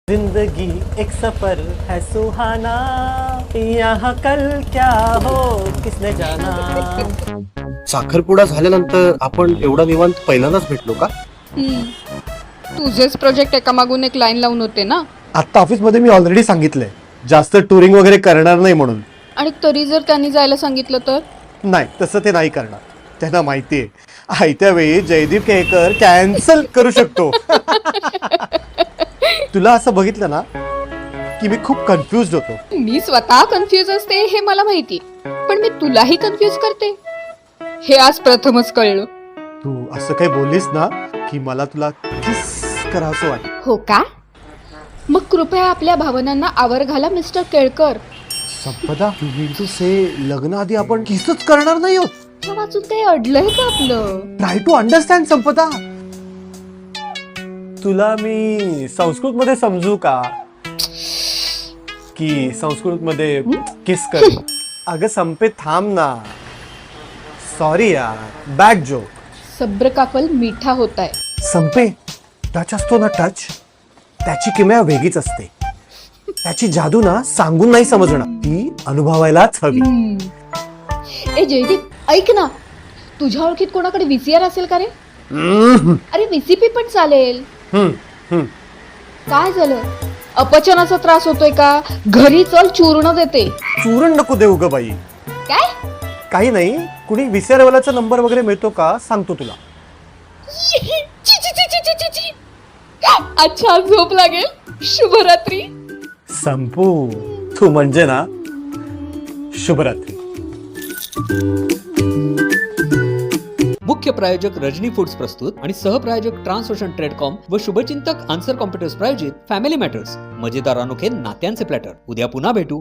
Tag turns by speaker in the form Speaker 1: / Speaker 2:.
Speaker 1: जिंदगी एक सफर है सुहाना, यहाँ कल क्या हो किसने जाना.
Speaker 2: साखरपुडा झाल्यानंतर आपण एवढा निवांत पहिल्यांदाच भेटलो का?
Speaker 3: तुझेच प्रोजेक्ट एका मागून एक लाईन लावून होते ना.
Speaker 1: आता ऑफिसमध्ये मी ऑलरेडी सांगितलंय जास्त टुरिंग वगैरे करणार नाही म्हणून.
Speaker 3: आणि तरी जर त्यांनी जायला सांगितलं तर
Speaker 1: नाही, तसं ते नाही करणार. त्यांना माहितीये आयत्या वेळी जयदीप केळकर कॅन्सल करू शकतो. तुला असं बघितलं ना की मी खूप कन्फ्युज होतो.
Speaker 3: मी स्वतः कन्फ्युज असते हे मला माहिती, पण मी तुलाही कन्फ्युज करते हे आज प्रथमच कळलं.
Speaker 1: तू असं काही बोललीस ना की मला तुला किस करावंसं वाटतं.
Speaker 3: हो का? मग कृपया आपल्या भावनांना आवर घाला मिस्टर केळकर.
Speaker 1: संपदा, तू मीन टू से लग्न आधी आपण किसच करणार नाही आहोत.
Speaker 3: त्या वाचून ते अडलंय का आपलं?
Speaker 1: Try to understand Sampada. तुला मी संस्कृत मध्ये समजू का की संस्कृत मध्ये किस कर. अगं संपे थांब ना. सॉरी यार, बॅड जोक.
Speaker 3: सब्र का फल मीठा होताय.
Speaker 1: संपे, टच असतो ना टच, त्याची किमया वेगळीच असते. त्याची जादू ना सांगून नाही समजणार, ती अनुभवायलाच हवी.
Speaker 3: ए जयदीप, ऐक ना, तुझ्या ओळखीत कोणाकडे व्हीसीआर असेल का रे? अरे व्हीसीपी पण चालेल. काय झालं? अपचनाचा त्रास होतोय का? घरी चल, चूर्ण देते.
Speaker 1: चूरण नको देऊ ग बाई.
Speaker 3: काय?
Speaker 1: काही नाही, कुणी विसरवाल्याचा नंबर वगैरे मिळतो का सांगतो तुला.
Speaker 3: ची, ची, ची, ची, ची, ची. अच्छा, झोप लागेल. शुभरात्री.
Speaker 1: संपू, तू म्हणजे ना शुभरात्री.
Speaker 4: मुख्य प्रायोजक रजनी फूड्स प्रस्तुत आणि सहप्रायोजक ट्रान्सओशन ट्रेडकॉम व शुभचिंतक आन्सर कॉम्प्युटर्स प्रायोजित फॅमिली मॅटर्स, मजेदार अनोखे नात्यांचे प्लॅटर. उद्या पुन्हा भेटू.